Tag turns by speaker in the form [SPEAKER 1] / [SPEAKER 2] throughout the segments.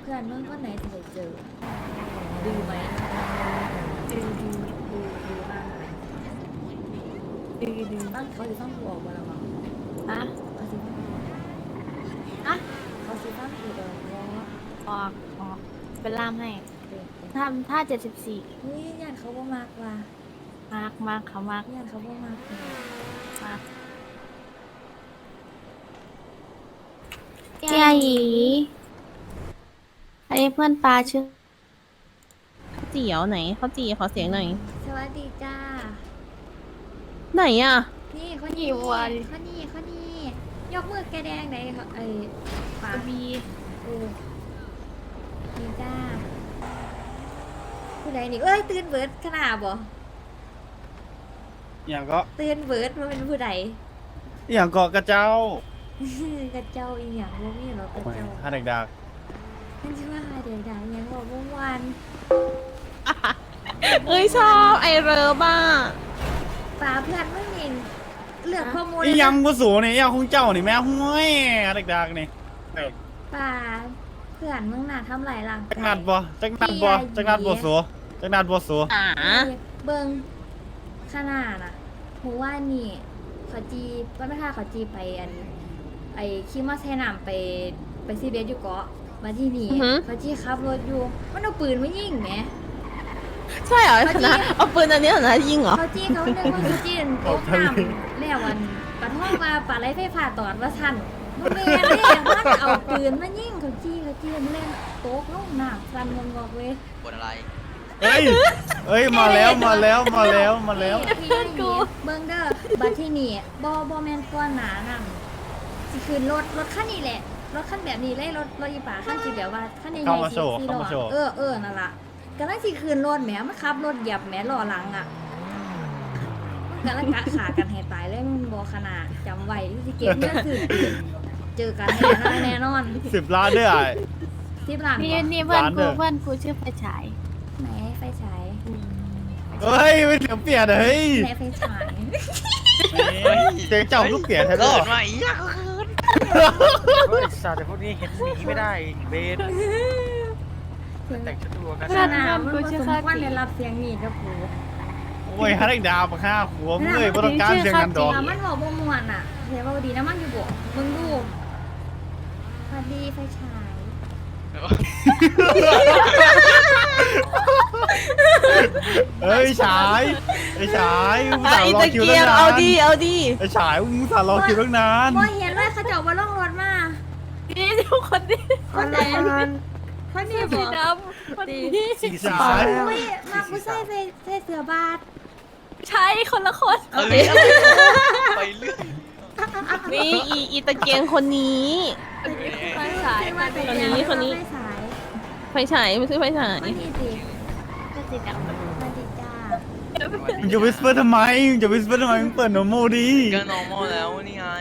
[SPEAKER 1] เพื่อนมึงคนไหนจะได้เจอดูไหมดูบ้างไหมดูบ้างเขาจะต้องกูออกมาแล้วมั้ง
[SPEAKER 2] นะ
[SPEAKER 1] เขาจะต้อง
[SPEAKER 2] อะ
[SPEAKER 1] เขาจะต้องกูออกว่า
[SPEAKER 2] ออกเป็นล่ามให้
[SPEAKER 1] เป็น
[SPEAKER 2] ทำท่า74
[SPEAKER 1] เฮ้ยญาติเขาบ่มากว่ะ
[SPEAKER 2] มากเขามาก
[SPEAKER 1] ญาติเขาบ่มากเลย
[SPEAKER 2] มากเจียหยีอันนี้เพื่อนปลาชื่อ
[SPEAKER 3] เจี๋ยวไหนเขาจีขอเสียงหน่อย
[SPEAKER 1] สวัสดีจ้า
[SPEAKER 3] ไหนอ่ะ
[SPEAKER 1] นี่คนนี้คนนี้ยกมือแกแดงไหนไอ้ปา
[SPEAKER 2] บี
[SPEAKER 1] นี่จ้าผู้ใดนี่เอ้ยตื่นเบิร์ดขนาดบ่
[SPEAKER 4] อย่างก็
[SPEAKER 1] ตื่นเบิร์ดมันเป็นผู้ใด
[SPEAKER 4] อย่างเกาะกระเจ้าก
[SPEAKER 1] ระเจ้าอีหยังบ่มีหรอกกระ
[SPEAKER 4] โอ้ย
[SPEAKER 1] เจ้า
[SPEAKER 4] ฮาเด็กดัก
[SPEAKER 1] มันชื่อว่าเดี๋ยวดังยังบอกเมื่อวาน
[SPEAKER 3] เอ้ยชอบไอเรอบ้า
[SPEAKER 1] ป่าเพื่อนไม่มีเลือกข้อมูล
[SPEAKER 4] อีหยังกูสูนี่อีหยังของเจ้านี่แม่ห้วยฮาเด็กดักนี่
[SPEAKER 1] ป่าเพื่อนมึงน่ะทำไรล่ะ
[SPEAKER 4] จักนัดบ่จักนัดบ่จักนัดบ่สูจักนัดบ่สู
[SPEAKER 3] อ่า
[SPEAKER 1] เบิงขนาดน่ะหมูว่านี่เขาจีวันพฤหัสเขาจีไปไอ้คิมมาแซนามไปซีเบสอยู่เกาะมาที่นี่เขาจีขับรถอยู่มันเอาปืนมายิงแหม
[SPEAKER 3] ใช่เหรอนะเอาปืนอันนี้เหรอนะยิงเหรอ
[SPEAKER 1] เขาจี้เขาเรียกว่าเขาจี้โต๊ะน้ำแล้ววันปะท่องมาปะไรไฟฟ้าตอดว่าทันมันเรียนเลยมันเอาปืนมายิงเขาจี้มันเล่นโต๊ะลงน้ำฟันงงๆเลย
[SPEAKER 5] บนอะไร
[SPEAKER 4] เอ้ยเอ้ยมาแล้วมาแล้วมาแล้วมาแล้ว
[SPEAKER 1] พี่ยันกูเบิ้งเด้อบัดที่นี่บอแมนก้อนหนานั่งสิคืนรถคันนี้แหละรถคันแบบนี้เลยรถอีป่าคันสิแบบว่าคันใหญ่
[SPEAKER 4] เข้ามา
[SPEAKER 1] ๆ
[SPEAKER 4] โชว์
[SPEAKER 1] สี่
[SPEAKER 4] เข้า
[SPEAKER 1] ล้
[SPEAKER 4] มาโชว์
[SPEAKER 1] อเออนั่นล่ะกำลังสิคืนรถแหมมันขับรถเหยียบแหมล้อหลังอ่ะกำลังกะขากันให้ตายเลยมึงบอขนาดจำไว้ที่สิเก็บเงินซื้อปืนเจอกันแน่นอน
[SPEAKER 4] 10 ล้านด้วยอ่ะ
[SPEAKER 1] 10 ล้าน
[SPEAKER 2] นี่
[SPEAKER 1] บ่
[SPEAKER 2] นี่เพื่อน
[SPEAKER 4] ร้านเด้
[SPEAKER 2] กู
[SPEAKER 4] อ
[SPEAKER 2] เพื่อนกูชื่อไฟฉาย
[SPEAKER 1] ไหนไฟฉาย
[SPEAKER 4] เฮ้ยไม่เสียงเปลี่ยนเฮ้ย
[SPEAKER 1] ไหนไฟฉาย
[SPEAKER 4] เสียงเจ้าลูกเปลี่ยนแท้
[SPEAKER 5] เกิ
[SPEAKER 4] ก็
[SPEAKER 5] ดมาอีกอย่างก็คืน
[SPEAKER 6] เฮ้ยสัตว์แต่พวกนี้เห็นหนีไม่ได้เบนแต่งชุดตัวกัน
[SPEAKER 1] ขนาดมันบ่สมควรได้รับเสียงนี่กับกู
[SPEAKER 4] โอ้ยฮาเด็กดาวมาฆ่าหัวมึงเลยบ่ต้องการเสียงกันดอก
[SPEAKER 1] มันบอกบ่ม่วนอ่ะเสียว่าดีนะมันอยู่บ่มึงดูสวัสดีไฟฉาย
[SPEAKER 4] เฮ้ยฉายไอ้ฉายมึง
[SPEAKER 3] ไอ
[SPEAKER 4] สาวรอ
[SPEAKER 3] ตะ
[SPEAKER 4] คิว
[SPEAKER 3] เกี
[SPEAKER 4] ตั้
[SPEAKER 3] ย
[SPEAKER 4] ง
[SPEAKER 3] บ
[SPEAKER 4] นาน
[SPEAKER 3] เอาดีเอาดี
[SPEAKER 4] ไอ้ฉายมึงสาวรอคิวตั้งนาน
[SPEAKER 1] บ่เห็นเลยเขาเจ้าบ่ลงรถมา
[SPEAKER 2] นี่ทุกคนนี่
[SPEAKER 1] คนไหนคนนี้บ่
[SPEAKER 2] สีดำคนนี้
[SPEAKER 4] ฉาย
[SPEAKER 1] อุ้ยมาผู้ใส่เสื้อบาท
[SPEAKER 2] ใช่คนละคน
[SPEAKER 5] เอ้ยไปเรื่อย
[SPEAKER 3] นี่อีตะเกียงคนนี้
[SPEAKER 2] ไฟฉาย
[SPEAKER 1] มาแต่
[SPEAKER 3] คนนี้คนนี้
[SPEAKER 1] ไฟฉาย
[SPEAKER 3] ไฟฉายไม่ใช่ไฟฉาย
[SPEAKER 1] คนนี้สิ
[SPEAKER 2] ก็สีดำ
[SPEAKER 1] สวัสดีจ้า
[SPEAKER 4] มึงจะวิสเปอร์ทำไมมึงจะวิสเปอร์ทำไมมึงเปิดโนโมดี
[SPEAKER 5] ก็ normal แล้วนี่ไง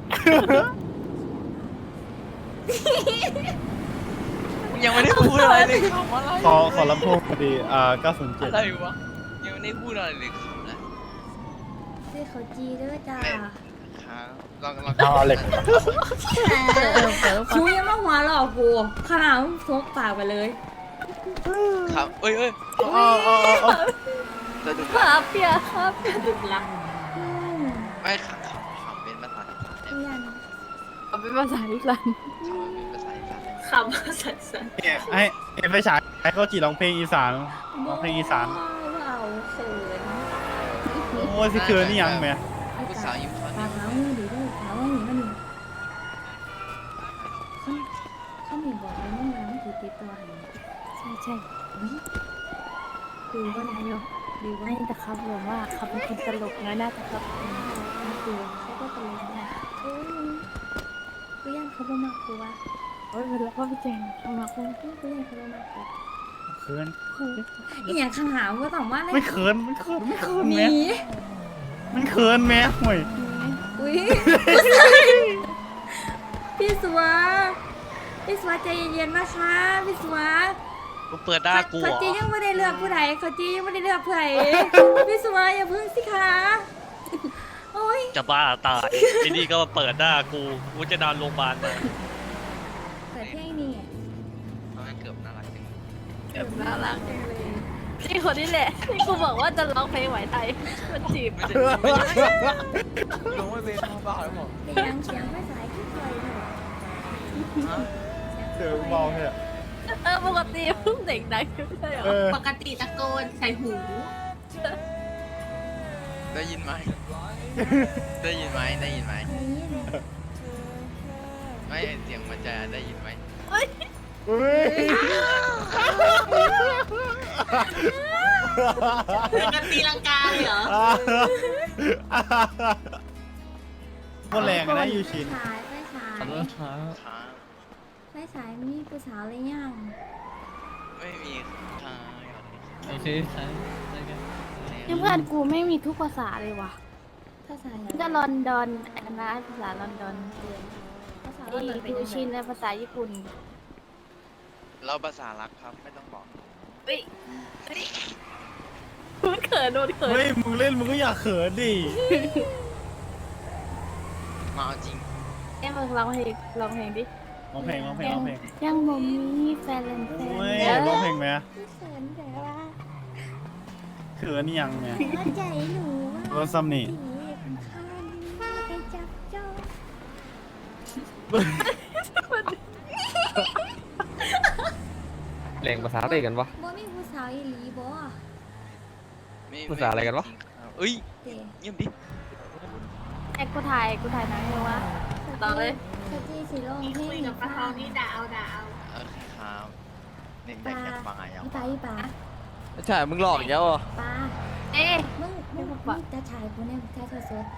[SPEAKER 5] ยังไม่ได้พูดอะไรเลยคำอะไร
[SPEAKER 4] ขอลำโพงดี907
[SPEAKER 5] อะไรวะยังไม่ได้พูดอะไรเลยคำนะ
[SPEAKER 1] ซื้อเขาจีเด้อจ้า
[SPEAKER 5] ครับลอง
[SPEAKER 4] เอาเหล็ก
[SPEAKER 1] กูยังมาหัวหลอกกูขนาดมึงซกปากไปเลย
[SPEAKER 5] ครับเอ้ย
[SPEAKER 4] เอา
[SPEAKER 5] จะดู
[SPEAKER 2] ครับเปียครับดึกละ
[SPEAKER 5] ไม่คำเป็นภาษาอีสาน
[SPEAKER 1] เพื่อน
[SPEAKER 2] เอาเป็นภาษาอีสาน
[SPEAKER 5] เป็นภาษาอีสาน
[SPEAKER 2] คำภาษาอีสาน
[SPEAKER 4] เนี่ยให้ไฟฉายให้เขาจีร้องเพลงอีสานร้องเพลงอีสาน
[SPEAKER 1] เอาเขิน
[SPEAKER 4] โอ้ยสิเคือนี่ยังไหม
[SPEAKER 5] ผู้สาวยิ้มช้อน
[SPEAKER 1] ปากแล้วมือดีด้วยปากว่าหนีมันหนีเขามีบอกเลยว่ามันถือติดตัวหัน
[SPEAKER 2] ใช่ใช่
[SPEAKER 1] คือว่า
[SPEAKER 2] นายก
[SPEAKER 1] ดีว่า
[SPEAKER 2] ไม่แต่ครับบอกว่าเขาเป็นคนตลกนะน่าจะครับ
[SPEAKER 1] คือเขาก็ตลกนะเอ้ยกูย่านเขาบ่มากกูว่า
[SPEAKER 2] โอ้ยเวลาพ่อพี่แจงทำมาคง
[SPEAKER 1] กูย่านเขาบ่มากกู
[SPEAKER 4] เขิน
[SPEAKER 1] อีอย่างขนาดว่าต้องว่า
[SPEAKER 4] ไม่เขินไม่เขินไม่เขิน
[SPEAKER 1] ห
[SPEAKER 4] แม่
[SPEAKER 1] นี
[SPEAKER 4] มันเขินแม่ห่วย
[SPEAKER 1] อุ้ยพี่สัวพี่สัวใจเย็นๆนะคะพี่สัว
[SPEAKER 5] กูเปิดหน้ากู
[SPEAKER 1] เขาจียังไม่ได้เลือกผู้ใดเขาจียังไม่ได้เลือกผู้ใดพี่สัวอย่าพึ่งสิคะโอ้ย
[SPEAKER 7] จะบ้าตาย ที่นี่ก็มาเปิดหน้ากูจะนอนโรงพยาบาลมา
[SPEAKER 1] เปิดเพลงนี่
[SPEAKER 5] ทำให้เกือบน่ารักจริง
[SPEAKER 2] น่ารักจังเลยนี่คนนี้แหละที่กูบอกว่าจะร้องเพลงไหวไทยมันจีบ
[SPEAKER 5] ไม่ใช่ไม่ใช่
[SPEAKER 6] ลงไม่เป็นมือเปล่าหรอก
[SPEAKER 1] เสียงไม่สายขึ้นเลยเนอะ
[SPEAKER 4] เจอเบาเนี่ย
[SPEAKER 2] ปกติเพิ่งเด็กดังไม่ใช่เหรอ
[SPEAKER 8] ปกติตะโกนใส่หู
[SPEAKER 5] ได้ยินไหมได้ยินไหมได้ยินไหม
[SPEAKER 1] ได้ยิน
[SPEAKER 5] ไม่เสียงมันจะได้ยินไหม
[SPEAKER 4] เฮ้ย
[SPEAKER 8] เป็นกันตีลังกาเลยเหรอ
[SPEAKER 4] โคตรแรงอะนะยูชิน
[SPEAKER 1] สายไม่สาย
[SPEAKER 5] ค้าง
[SPEAKER 1] ไม่สายมีผู้สาวเลยยัง
[SPEAKER 5] ไม่มีค้าง
[SPEAKER 7] โอเคใช่
[SPEAKER 2] เพื่อนกูไม่มีทุกภาษาเลยว่ะ
[SPEAKER 1] ภาษาอะไร
[SPEAKER 2] ก็ลอนดอนอันนะภาษาลอนดอน
[SPEAKER 1] ภาษา
[SPEAKER 2] ไอ้
[SPEAKER 1] อะไร
[SPEAKER 2] ดูชินและภาษาญี่ปุ่น
[SPEAKER 5] เราภาษารักครับไม่ต้องบอก
[SPEAKER 2] เฮ้ยมันเขินโดนเขิน
[SPEAKER 4] เฮ้ยมึงเล่นมึงก็อย่าเขินดิ
[SPEAKER 5] มาเอาจริง
[SPEAKER 2] มึงร้องเพลงดิ
[SPEAKER 4] ร้องเพลงร้องเพลงร้องเพลง
[SPEAKER 2] ยังบ่มีแฟนเลยแฟ
[SPEAKER 4] โอ้ย
[SPEAKER 2] น
[SPEAKER 4] ร้องเพลงไหม
[SPEAKER 1] พี่เขินแต่ว่า
[SPEAKER 4] เขินยังเนี่ย
[SPEAKER 1] หัวใจหนู
[SPEAKER 4] รถซัมนี่
[SPEAKER 1] ผีข้างไปจับจ้อง
[SPEAKER 9] แรงภาษาอะไรกันวะ
[SPEAKER 1] บ่มีผู้สาวอีหลีบ่
[SPEAKER 5] ไม่
[SPEAKER 9] ภาษาอะไรกันวะ
[SPEAKER 5] เอ้ย
[SPEAKER 1] เตะ
[SPEAKER 5] เงียบดิ
[SPEAKER 2] ไอ้กูถ่ายหนังอยู่วะต่อเลย
[SPEAKER 1] สจีสีลงเพล
[SPEAKER 8] คุย
[SPEAKER 1] ง
[SPEAKER 8] กับปลาทองนี่ด่าเอา
[SPEAKER 5] โอเคครับเน้นอยากฟังอะไรยัง
[SPEAKER 1] อีปลาอีปลา
[SPEAKER 9] ใช่ มึงหลอกอีกแล้วเหรอ
[SPEAKER 1] ปลา
[SPEAKER 2] เอ๊ะ
[SPEAKER 1] มึงจะฉายกูเนี่ยถ่ายทอดสด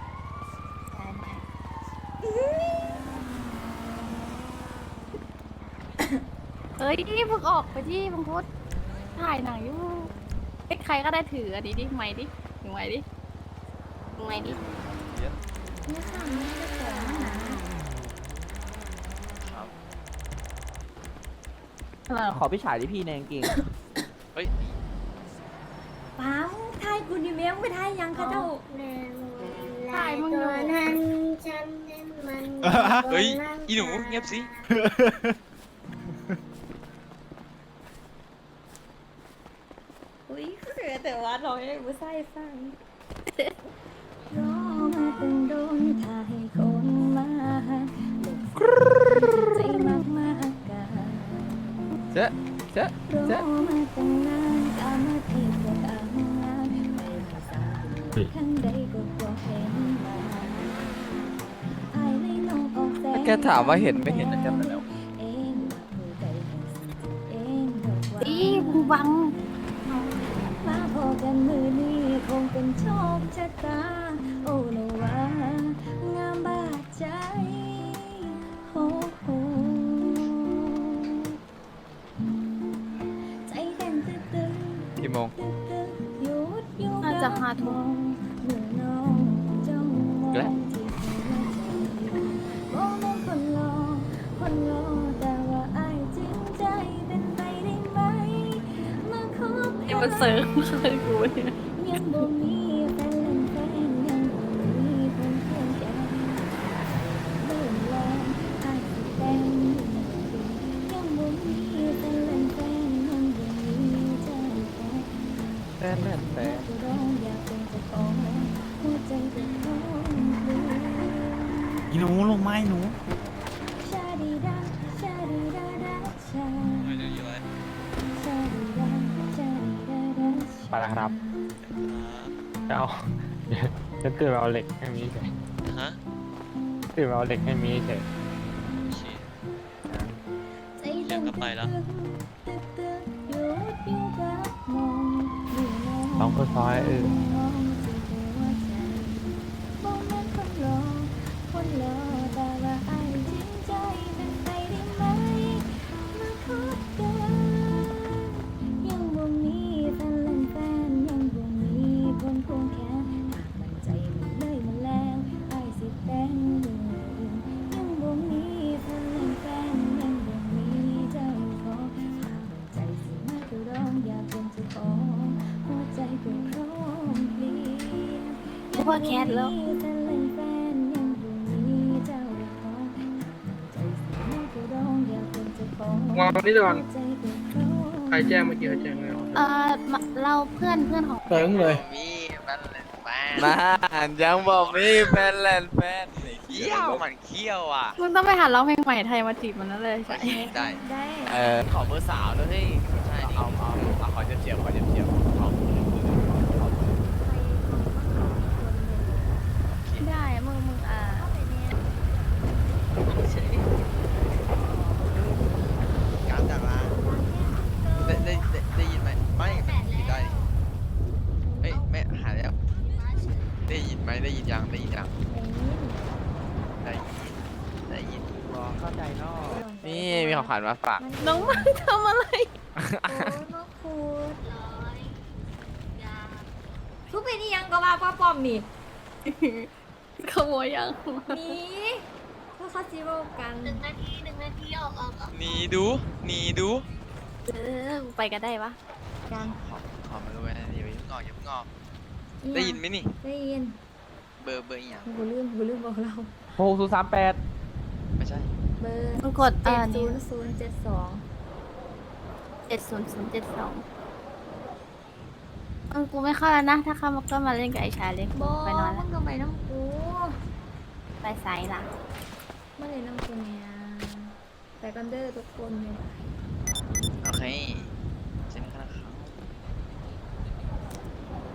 [SPEAKER 2] เอ้ยมึงออกไปที่มึงโพสถ่ายหนังอยู่ไอ้ใครก็ได้ถืออันนี้ดิไม้ดิถือไม้ดิไม้ดิ
[SPEAKER 1] เนี่ยค่ะมันจะสอนหนา
[SPEAKER 5] ครับ
[SPEAKER 9] ขอพี่ชายที่พี่แนงเก่ง
[SPEAKER 5] เฮ้ย
[SPEAKER 1] ป้าถ่ายกูนี่แม่งไม่ถ่ายยังคะเจ้า
[SPEAKER 2] ถ่ายมึงอยู่
[SPEAKER 5] เฮ้ยอีหนูเงียบสิ
[SPEAKER 1] อุ้ยเสือแต่ว่าเราให้ผู้ชายฟังรอมาตั้งโดนถ่ายคนมาใจมากมากกัน
[SPEAKER 9] เจ๊เจ๊
[SPEAKER 1] ร
[SPEAKER 9] เจ๊
[SPEAKER 1] อมาตั้งนานตามมาที่เกิดอ่างงานไม่ภาษาข้างใดก็บ่เห็นมาอายเลยน้องออกแสง
[SPEAKER 9] แค่ถามว่าเห็นไม่เห็นนะจำไปแล้ว
[SPEAKER 1] เองผู้ใดเห็นสิเองดอกว่า
[SPEAKER 2] อีมึงบัง
[SPEAKER 1] มาพอกันมือนี้คงเป็นโชคชะตา โอ้โนว่างามบาดใจโอ้โหใจเต้นตึ๊ด
[SPEAKER 9] กี่โมง
[SPEAKER 1] ตึ๊ดตึ๊ดหยุดอยู่
[SPEAKER 2] น่าจะห้าทุ่ม
[SPEAKER 1] เมื่อน้องจ้องมอง
[SPEAKER 9] และ
[SPEAKER 1] ที่หัวใจมองมองคนรอคนรอแต่ว่าอายจริงใจเป็นไปได้ไหมมาคบ
[SPEAKER 2] ไอ้มันเซิร์ฟเลยกูเนี่ย
[SPEAKER 1] ยังบ่มีแฟนเล่นแฟนยังบ่มีเพื่อนเพื่อนแก่เริ่มแรงอายสิแต่งยังบ่มีแฟนเล่นแฟนยังบ่มีใจแฟน
[SPEAKER 9] แต่แต่
[SPEAKER 1] ก็ร้องอยากเป็นเจ้าของหัวใจก็ร้องเพลง
[SPEAKER 4] อีหนูลงไม้หนู
[SPEAKER 1] ชาดีดาชาดีดาดาชาชาดีดาชาดีดาดา
[SPEAKER 10] ไปแล้วครับเอาจะตื่นมาเอาเหล็กให้มีเฉย
[SPEAKER 5] ฮะ
[SPEAKER 10] ตื่นมาเอาเหล็กให้มีเฉย
[SPEAKER 1] ใจเต้นตึกตึกตึกหยุดอยู่กับมองอยู่มอง
[SPEAKER 10] ต้องค่อยๆ
[SPEAKER 1] มองที่หัวใจบ่แม่นคนรอคนรอแต่ว่าอายจริงใจเป็นไปได้ไหมมาคบกันยังบ่มีแฟนเล่นแฟนยังบ่มีคนควงแขนหากมันใจมันเลยมันแล้วอายสิแต่งยังบ่มีแฟนเล่นแฟนยังบ่มีเจ้าของหากมันใจสิมาคือร้องอยากเป็นเจ้าของหัวใจก็พร้อมเพลีย
[SPEAKER 2] กูว่าแคทแล้ว
[SPEAKER 1] แฟนเล่นแฟนยังบ่มีเจ้าของหากมันใจสิมาคือร้องอยากเป็นเจ้าของ
[SPEAKER 6] ว่าองนี่ก่อนใครแจ้งเมื่อกี้ใครแจ้งแล้ว
[SPEAKER 2] เราเพื่อนของ
[SPEAKER 6] เติงเลย
[SPEAKER 5] มีมันแป้ง
[SPEAKER 9] มายังบอกมีแฟนแลนด์แฟน
[SPEAKER 5] เขี้ยวมันเขี้ยวอ่ะ
[SPEAKER 2] มึงต้องไปหาร้องเพลงใหม่ไทยมาจีบมันนั่นเลยใช่
[SPEAKER 5] ได้
[SPEAKER 1] ได้
[SPEAKER 9] ขอเบอร์สาวด้วยเฮ้ย
[SPEAKER 5] ใช่ดิ
[SPEAKER 9] เอาขอเจียบขอเจียบเอา
[SPEAKER 2] ได้มึง
[SPEAKER 5] การจากลาได้ยินไหมไม่ปิดได้เฮ้ยไม่หายแล้วได้ยินไหมได้ยินยังได้ยินยังได้ยิน
[SPEAKER 9] เข้าใจเนาะนี่มีของขวัญมาฝาก
[SPEAKER 3] น้องมันทำอะไร
[SPEAKER 1] โอ้ยมาคูดทุกเป็นอียังก็ว่าป้าปอมนี่
[SPEAKER 2] ขโมยยัง
[SPEAKER 1] นี่เพราะเขาจีโร่กัน
[SPEAKER 8] 1 นาทีออก
[SPEAKER 5] หนีดู
[SPEAKER 2] ไปกันได้ปะ
[SPEAKER 1] กัน
[SPEAKER 5] ขอมาดูนะอย่าเพิ่งงอกได้ยินไหมนี่
[SPEAKER 1] ได้ยิน
[SPEAKER 5] เบอร์อีกอย่าง
[SPEAKER 1] กูลืมบอกเรา
[SPEAKER 9] 6038
[SPEAKER 5] ไม่ใช่
[SPEAKER 1] เบอร์
[SPEAKER 2] มึงกดนี่
[SPEAKER 1] 70072
[SPEAKER 2] 7072กูไม่เข้าแล้วนะ ถ้าเข้ามาก็มาเล่นกับไอ้ชายเล็ก
[SPEAKER 1] บอ
[SPEAKER 2] ไปนอน
[SPEAKER 1] มั
[SPEAKER 2] แล้ว
[SPEAKER 1] นก็ไปน้ำกู
[SPEAKER 2] ไปไซส์ล่ะ
[SPEAKER 1] ไม่เลยน้ำกูเนี่ยไปกันเด้อทุกคนเลย
[SPEAKER 5] โอเค